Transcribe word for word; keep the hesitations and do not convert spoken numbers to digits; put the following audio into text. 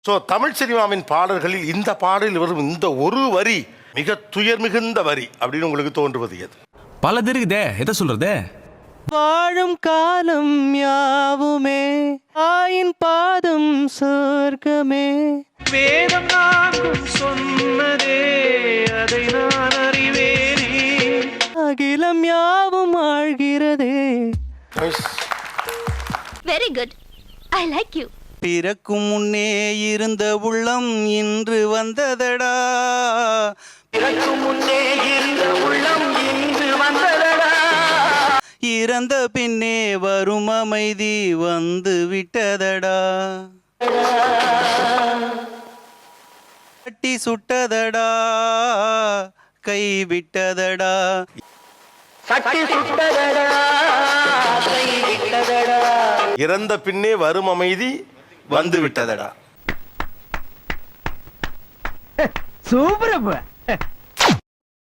So Tamil சினிமாவின் பாடல்களில் இந்த பாடலில் வரும் இந்த ஒரு வரி மிக துயர் மிகுந்த வரி அப்படின்னு உங்களுக்கு தோன்றுவது எது? பல இருக்குதே, எதை சொல்றது? வாழும் காலம் யாவுமே ஆயின் பாதம் சொர்க்கமே. வேதம் நான்கும் சொன்னதே அதை நான் அறிவேனே. அகிலம் யாவும் ஆழ்கிறதே. Very good, I like you. பிறக்கும் முன்னே இருந்த உள்ளம் இன்று வந்ததடா. பிறக்கும் முன்னே இருந்த உள்ளம் இன்று வந்ததடா. இறந்த பின்னே வரும் அமைதி வந்து விட்டதடா. கட்டி சுட்டதடா, கை விட்டதடா. கட்டி சுட்டதடா, கை விட்டதடா. இறந்த பின்னே வரும் அமைதி வந்து விட்டதடா. சூப்பர்.